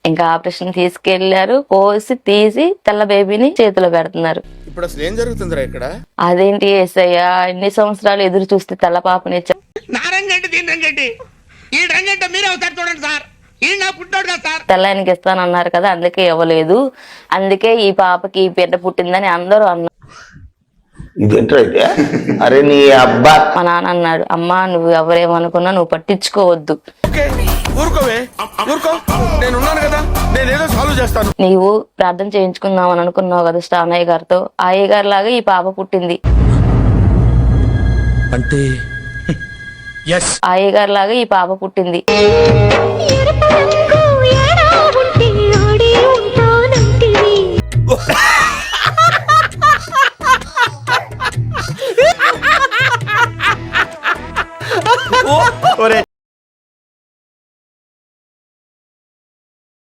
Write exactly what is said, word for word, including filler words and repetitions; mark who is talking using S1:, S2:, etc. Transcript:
S1: ఇంకా ఆపరేషన్ తీసుకెళ్లారు, కోసి తీసి తెల్ల బేబీని చేతిలో పెడుతున్నారు.
S2: ఇప్పుడు అసలు ఏం జరుగుతుందిరా ఇక్కడ?
S1: అదేంటి యేసయ్య, ఇన్ని సంవత్సరాలు ఎదురు చూస్తే తెల్ల పాపని ఇచ్చా. తెల్ల ఆయనకి ఇస్తానన్నారు కదా, అందుకే ఇవ్వలేదు. అందుకే ఈ పాపకి ఈ బిడ్డ పుట్టిందని అందరూ అన్నారు.
S3: ఇదేంటైతే అరే నీ అబ్బా.
S1: మా నాన్న అన్నాడు, అమ్మా నువ్వు ఎవరేమనుకున్నా నువ్వు పట్టించుకోవద్దు,
S2: ఊరుకోవే ఊరుకో, నేను ఉన్నాను కదా, నేనేదో సాల్వ్ చేస్తాను.
S1: నీవు ప్రార్థన చేయించుకుందాం అని అనుకున్నావు కదా స్టానయ్య గారితో, ఆ అయ్య గారి లాగా ఈ పాప పుట్టింది.
S4: అంటే
S1: ఆ అయ్య గారి లాగా ఈ పాప పుట్టింది.